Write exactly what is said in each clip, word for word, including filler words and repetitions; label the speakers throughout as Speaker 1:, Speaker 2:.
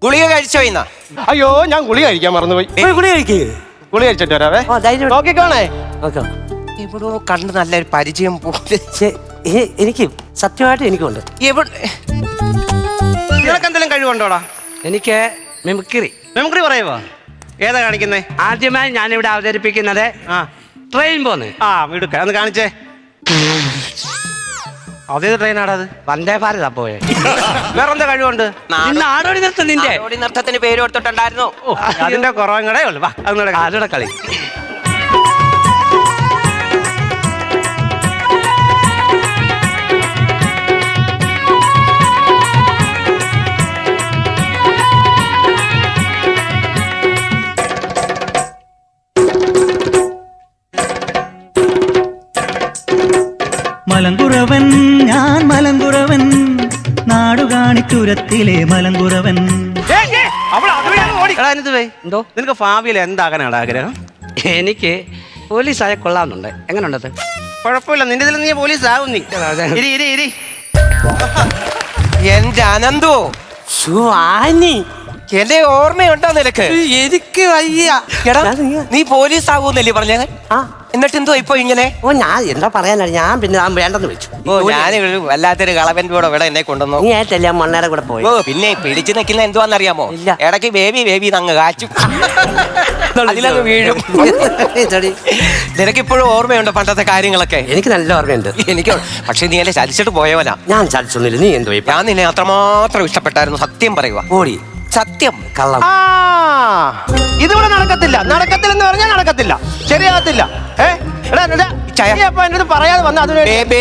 Speaker 1: ഗുളിക കഴിച്ചോ ഇന്ന?
Speaker 2: അയ്യോ ഞാൻ ഗുളിക കഴിക്കാൻ മറന്നുപോയി.
Speaker 1: ഗുളിക കഴിക്കേ.
Speaker 2: ഗുളിക കഴിച്ചിട്ട് വരാവേ. നോക്കിക്കോണേ.
Speaker 1: എവിടോ കണ്ട് നല്ലൊരു പരിചയം പോലെ.
Speaker 3: എനിക്ക് സത്യമായിട്ട് എനിക്കുണ്ട്.
Speaker 2: നിനക്ക് എന്തെങ്കിലും കഴിവുണ്ടോടാ?
Speaker 3: എനിക്ക് മിമിക്രി.
Speaker 2: മിമിക്രി പറയുവോ? ഏതാ കാണിക്കുന്നേ?
Speaker 3: ആദ്യമായി ഞാനിവിടെ അവതരിപ്പിക്കുന്നത് ട്രെയിൻ പോന്ന്.
Speaker 2: ആ എടുക്ക ഒന്ന് കാണിച്ചേ. അതേത് ട്രെയിനാടാ അത്?
Speaker 3: വന്ദേ ഭാരതാ പോയെ.
Speaker 2: വേറെന്താ കഴിവുണ്ട്?
Speaker 3: നാടോടി നൃത്തം നിന്റെ
Speaker 1: നാടോടി നൃത്തത്തിന് പേര് കൊടുത്തിട്ടുണ്ടായിരുന്നു.
Speaker 2: അതിന്റെ കുറവങ്ങടേ ഉള്ളു. വാ അതിനോടെ
Speaker 3: കളി.
Speaker 4: മലങ്കുറവൻ ഞാൻ മലങ്കുറവൻ നാടുകാണിച്ചുരത്തിലെ മലങ്കുറവൻ.
Speaker 3: എന്തോ
Speaker 2: നിനക്ക് ഭാവിയിൽ എന്താകാനാണ് ആഗ്രഹം?
Speaker 3: എനിക്ക് പോലീസായ കൊള്ളാമെന്നുണ്ട്. എങ്ങനെയുണ്ടത്?
Speaker 2: കുഴപ്പമില്ല, നിന്റെ ഇതിൽ നീ പോലീസ് ആവും. നീ ഇരി ഇരി ഇരി.
Speaker 1: എന്റെ അനന്തു,
Speaker 3: ആനി
Speaker 1: എന്റെ ഓർമ്മയുണ്ടോ നിനക്ക്?
Speaker 3: എനിക്ക് വയ്യ.
Speaker 1: നീ പോലീസ് ആകൂന്നല്ലേ പറഞ്ഞ? എന്നിട്ട് എന്തോ ഇപ്പൊ ഇങ്ങനെ?
Speaker 3: ഓ ഞാൻ എന്താ പറയാനാ, ഞാൻ പിന്നെ ഞാൻ വേണ്ടെന്ന് വെച്ചു.
Speaker 1: ഓ ഞാൻ വല്ലാത്തൊരു കളവന്റെ കൂടെ ഇവിടെ എന്നെ കൊണ്ടുവന്നു.
Speaker 3: നീ ആയിട്ടല്ലേ മണ്ണേടെ കൂടെ പോയി.
Speaker 1: ഓ പിന്നെ പിടിച്ചു നിൽക്കുന്ന എന്തുവാന്നറിയാമോ? ഇടയ്ക്ക് ബേബി ബേബി അങ്ങ് കാച്ചും, അതിലങ്ങ് വീഴും. നിനക്കിപ്പോഴും ഓർമ്മയുണ്ടോ പണ്ടത്തെ കാര്യങ്ങളൊക്കെ?
Speaker 3: എനിക്ക് നല്ല ഓർമ്മയുണ്ട്.
Speaker 1: എനിക്ക് പക്ഷെ നീ എന്നെ ചലിച്ചിട്ട് പോയവനാ.
Speaker 3: ഞാൻ ചലിച്ചൊന്നുമില്ല. നീ എന്തോ
Speaker 1: ഞാൻ നിന്നെ അത്രമാത്രം ഇഷ്ടപ്പെട്ടായിരുന്നു. സത്യം പറയുക.
Speaker 3: ഓടി
Speaker 1: സത്യം.
Speaker 3: കള്ളം.
Speaker 2: ഇതിവിടെ നടക്കത്തില്ല. നടക്കത്തില്ലെന്ന് പറഞ്ഞാൽ നടക്കത്തില്ല, ശരിയാകത്തില്ല. ഏഹ് എന്റെ പറയാതെ വന്ന അതിന്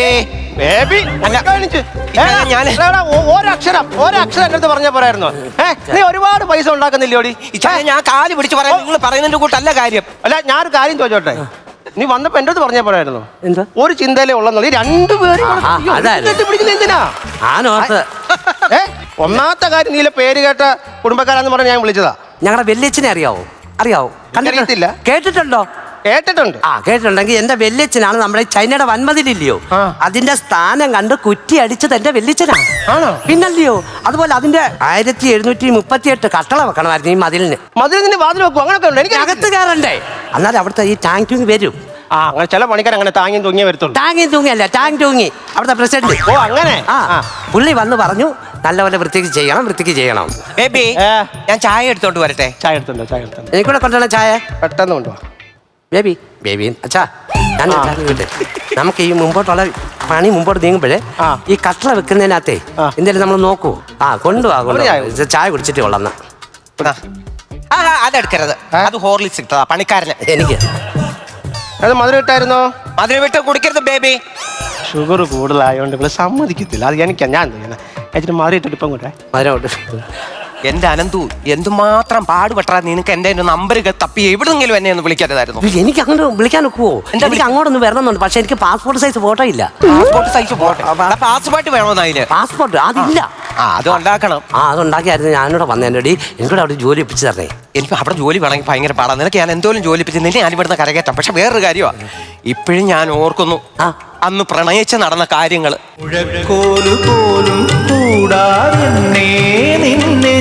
Speaker 2: ഒരക്ഷരം ഒരക്ഷരം എന്റെ അടുത്ത് പറഞ്ഞ പോരായിരുന്നു. ഏഹ് നീ ഒരുപാട് പൈസ ഉണ്ടാക്കുന്നില്ലോടി.
Speaker 1: ഞാൻ കാല് പിടിച്ച് പറയാം, നിങ്ങൾ പറയുന്നതിന്റെ കൂട്ടല്ല കാര്യം.
Speaker 2: അല്ല ഞാനൊരു കാര്യം ചോദിച്ചോട്ടെ, നീ വന്നപ്പോ എന്റെ അടുത്ത് പറഞ്ഞ പോരായിരുന്നു എന്താ ഒരു ചിന്തയിലേ ഉള്ളെന്നുള്ളത്. ഈ രണ്ടുപേരും പിടിക്കുന്ന എന്തിനാ? ഏ ഒന്നാമത്തെ കാര്യം നീല പേര് കേട്ട കുടുംബക്കാരാന്ന് പറഞ്ഞ് ഞാൻ വിളിച്ചതാ.
Speaker 3: ഞങ്ങളുടെ വല്യച്ഛനെ അറിയാവോ? അറിയാവോ?
Speaker 2: കണ്ടിട്ടില്ല.
Speaker 3: കേട്ടിട്ടുണ്ടോ? കേട്ടിട്ടുണ്ട്. ആ കേട്ടിട്ടുണ്ടെങ്കിൽ എന്റെ വല്യച്ഛനാണ് നമ്മുടെ ചൈനയുടെ വൻമതിലില്ലയോ, അതിന്റെ സ്ഥാനം കണ്ട് കുറ്റി അടിച്ചത് എന്റെ വല്യച്ഛനാണ്. പിന്നല്ലയോ? അതുപോലെ അതിന്റെ ആയിരത്തി എഴുന്നൂറ്റി മുപ്പത്തി എട്ട് കട്ടള വെക്കണമായിരുന്നു ഈ മതിലിന്.
Speaker 2: മതിലിന് വാതിൽ വെക്കും അങ്ങനൊക്കെ ഉണ്ട്. എനിക്ക്
Speaker 3: അകത്ത് കയറണ്ടേ? എന്നാലും അവിടുത്തെ ഈ ടാങ്ക് ട്യൂങ്ങി വരും.
Speaker 2: ആ അങ്ങനെ ചില പണിക്കാർ അങ്ങനെ താങ്ങിയും തൂങ്ങിയേ വരത്തുള്ളൂ.
Speaker 3: ടാങ്ങിയും തൂങ്ങിയല്ല, ടാങ്ക് ട്യൂങ്ങി അവിടുത്തെ പ്രസിഡന്റ്.
Speaker 2: ഓ അങ്ങനെ.
Speaker 3: ആ പുള്ളി വന്ന് പറഞ്ഞു നല്ലപോലെ വൃത്തിക്ക് ചെയ്യണം, വൃത്തിക്ക് ചെയ്യണം.
Speaker 1: ബേബി ഞാൻ ചായ എടുത്തോണ്ട് വരട്ടെ?
Speaker 2: ചായ എടുത്തുണ്ടോ? ചായ എടുത്തോ.
Speaker 3: എനിക്കൂടെ കൊണ്ടുവരണം ചായ.
Speaker 2: പെട്ടെന്ന് കൊണ്ടുപോവാ
Speaker 3: ബേബി. ബേബി അച്ഛാ ഞാൻ നമുക്ക് ഈ മുമ്പോട്ടുള്ള പണി മുമ്പോട്ട് നീങ്ങുമ്പോഴേ ഈ കട്ടള വെക്കുന്നതിനകത്തേ എന്തായാലും നമ്മൾ നോക്കൂ. ആ കൊണ്ടുപോകാ, ചായ കുടിച്ചിട്ട് കൊള്ളാം.
Speaker 1: അതെടുക്കരുത്, അത് ഹോർലിക്സ് ഇട്ടതാ പണിക്കാരന്.
Speaker 3: എനിക്ക്
Speaker 2: അത് മധുരം ഇട്ടായിരുന്നോ?
Speaker 1: മധുരം വിട്ട് കുടിക്കരുത് ബേബി.
Speaker 2: ഷുഗർ കൂടുതലായോണ്ട് ഇവിടെ സമ്മതിക്കത്തില്ല. അത് എനിക്ക് ഞാൻ കഴിച്ചിട്ട് മധുരം ഇട്ടിട്ട് ഇപ്പം കൂടെ
Speaker 3: മധുരം.
Speaker 1: എന്റെ അനന്തു എന്തുമാത്രം പാടുപെട്ടാ നിനക്ക് എന്റെ നമ്പർ തപ്പി എവിടെന്നെങ്കിലും എന്നെ ഒന്ന് വിളിക്കരുതായിരുന്നു?
Speaker 3: എനിക്ക് അങ്ങോട്ട് വിളിക്കാൻ ഒക്കുവോ? എനിക്ക് അങ്ങോട്ടൊന്ന് വരണമെന്നുണ്ട്, പക്ഷെ എനിക്ക് പാസ്പോർട്ട് സൈസ് ഫോട്ടോ ഇല്ല.
Speaker 1: Passport size photo? പാസ്പോർട്ട് വേണമെന്ന് അതിന്?
Speaker 3: പാസ്പോർട്ട് അതില്ല.
Speaker 1: ആ അത് ഉണ്ടാക്കണം.
Speaker 3: ആ അത് ഉണ്ടാക്കിയായിരുന്നു ഞാനിവിടെ വന്നേടി. എനിക്കൂടെ അവിടെ ജോലി ഒപ്പിച്ച് തരണേ.
Speaker 1: എനിക്ക് അവിടെ ജോലി വേണമെങ്കിൽ ഭയങ്കര പാടാണ്. നിനക്ക് ഞാൻ എന്തോലും ജോലി ഒപ്പിച്ച് നിന്നെ ഞാൻ ഇവിടുന്ന് കരകയറ്റാം. പക്ഷെ വേറൊരു കാര്യമാണ്, ഇപ്പോഴും ഞാൻ ഓർക്കുന്നു അന്ന് പ്രണയിച്ച് നടന്ന കാര്യങ്ങൾ.
Speaker 4: പോലും കൂടാതെ നിന്നെ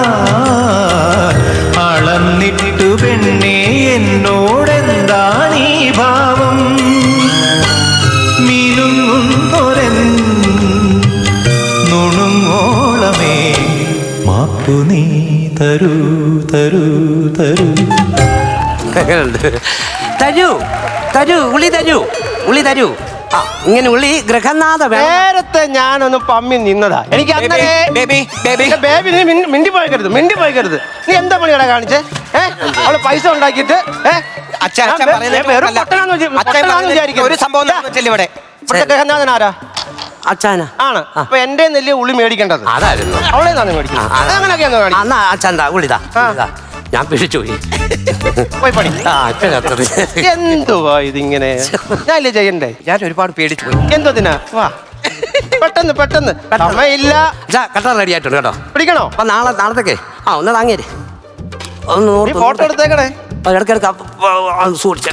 Speaker 4: അളന്നിട്ടു പെണ്ണേ എന്നോടെന്താണീ ഭാവം മിനുങ്ങുന്നൊരൻ നുണുങ്ങോളമേ മാപ്പു നീ തരൂ തരൂ തരൂ
Speaker 3: തരൂ തരൂ ഉള്ളി തരൂ ഉള്ളി തരൂ. ആ ഇങ്ങനെ ഉള്ളി ഗൃഹനാഥ.
Speaker 2: നേരത്തെ ഞാനൊന്ന് പമ്മി നിന്നതാ. എനിക്ക് ബേബി നീ മിണ്ടി പോയിക്കരുത്, മിണ്ടി പോയിക്കരുത്. നീ എന്താ പണിയടാ കാണിച്ചേ? ഏഹ് അവള് പൈസ ഉണ്ടാക്കിയിട്ട്
Speaker 1: ഒരു സംഭവം ഇവിടെ
Speaker 2: ഗൃഹനാഥൻ ആരാ?
Speaker 3: അച്ഛനാ
Speaker 2: ആണ്. അപ്പൊ എന്റെ നെല്ല് ഉള്ളി മേടിക്കേണ്ടത്
Speaker 3: അതായിരുന്നു.
Speaker 2: അവളെ മേടിക്കുന്നത്
Speaker 3: അച്ഛൻ്റെ ഉള്ളിതാ ഞാൻ പിടിച്ചു
Speaker 2: പോയി പണി. എന്തുവാ ഇതിങ്ങനെ? ഞാനില്ലേ ചെയ്യണ്ടേ?
Speaker 1: ഞാൻ ഒരുപാട് പേടിച്ചു പോയി.
Speaker 2: എന്തോതിനാ? വാ പെട്ടെന്ന് പെട്ടെന്ന് സമയമില്ല.
Speaker 3: കട്ട റെഡി ആയിട്ടുണ്ട് കേട്ടോ.
Speaker 2: പിടിക്കണോ?
Speaker 3: അപ്പൊ നാളെ നാളത്തേക്ക് ആ ഒന്ന് താങ്ങേര് ഒന്ന്
Speaker 2: ഫോട്ടോ എടുത്തേക്കണേ.
Speaker 3: ഇടയ്ക്കിടയ്ക്ക് സൂക്ഷിച്ച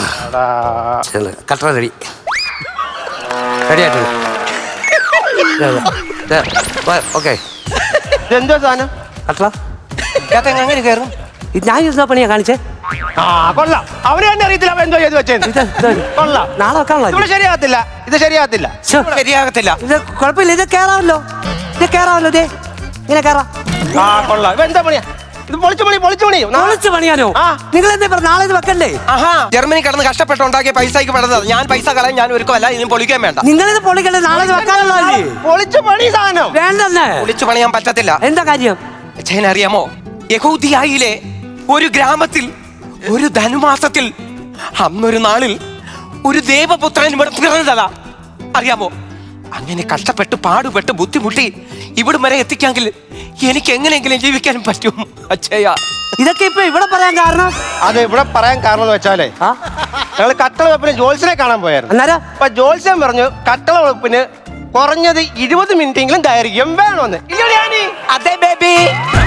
Speaker 3: കട്ട റെഡി റെഡി ആയിട്ടുണ്ട്. ഓക്കെ
Speaker 2: എന്തോ സാധനം?
Speaker 3: കട്ട
Speaker 1: ഇതിനകത്ത് എങ്ങനെ കയറും?
Speaker 3: ഇത് ഞാൻ ഇരുന്ന പണിയാ കാണിച്ചേ.
Speaker 2: ആ കൊള്ളാം. അവന് തന്നെ അറിയത്തില്ല അവൻ എന്തോ ചെയ്ത് വെച്ചേന്ന്.
Speaker 3: ഇത് ഇത്
Speaker 2: കൊള്ളാം.
Speaker 3: നാളെ വെക്കാനുള്ള
Speaker 2: ഇവിടെ ശരിയാകത്തില്ല, ഇത് ശരിയാകത്തില്ല.
Speaker 1: ശരിയാകത്തില്ല.
Speaker 3: ഇത് കുഴപ്പമില്ല, ഇത് കേറാമല്ലോ, ഇത് കേറാമല്ലോ, ഇതേ ഇങ്ങനെ കേറാം.
Speaker 2: ആ കൊള്ളാം. ഇവ എന്താ പണിയാ ഇത്? പൊളിച്ചു പണി, പൊളിച്ചു പണി.
Speaker 3: പൊളിച്ച് പണിയാനോ?
Speaker 2: ആ.
Speaker 3: നിങ്ങൾ എന്താ പറഞ്ഞ നാളെ ഇത് വെക്കണ്ടേ?
Speaker 1: ആഹാ, ജർമ്മനി കിടന്ന് കഷ്ടപ്പെട്ട് ഉണ്ടാക്കിയ പൈസക്ക് പെടുന്നത്. ഞാൻ പൈസ കളയാൻ ഞാൻ ഒരുക്കമല്ല, ഇതിന് പൊളിക്കാൻ വേണ്ട.
Speaker 3: നിങ്ങളിത് പൊളിക്കണ്ടേ? നാളെ ഇത് വെക്കാനുള്ളതല്ലേ?
Speaker 2: പൊളിച്ചു പണി സാധനം
Speaker 3: വേണ്ടെന്ന്.
Speaker 1: പൊളിച്ചു പണിയാൻ പറ്റത്തില്ല.
Speaker 3: എന്താ കാര്യം?
Speaker 1: അച്ഛൻ അറിയാമോ, യഹൂദിയായിലെ ഒരു ഗ്രാമത്തിൽ ഒരു ധനുമാസത്തിൽ അന്നൊരു നാളിൽ ഒരു ദേവപുത്രൻ ഇവിടെ പിറന്നതാ. അറിയാമോ? അങ്ങനെ കഷ്ടപ്പെട്ട് പാടുപെട്ട് ബുദ്ധിമുട്ടി ഇവിടം വരെ എത്തിക്കാമെങ്കിൽ എനിക്ക് എങ്ങനെയെങ്കിലും ജീവിക്കാനും പറ്റും അച്ഛയ.
Speaker 3: ഇതൊക്കെ ഇപ്പൊ ഇവിടെ പറയാൻ കാരണം?
Speaker 2: അത് ഇവിടെ പറയാൻ കാരണം എന്ന് വെച്ചാലേ,
Speaker 3: ആ?
Speaker 2: ഞങ്ങൾ കട്ടള വെപ്പിന് ജോത്സ്യനെ കാണാൻ പോയായിരുന്നു.
Speaker 3: അന്നേരം
Speaker 2: അപ്പൊ ജോത്സ്യൻ പറഞ്ഞു കട്ടള വെപ്പിന് കുറഞ്ഞത് ഇരുപത് മിനിറ്റെങ്കിലും ദൈർഘ്യം വേണമെന്ന്. ഇല്ലയോ?
Speaker 1: അതെ ബേബി.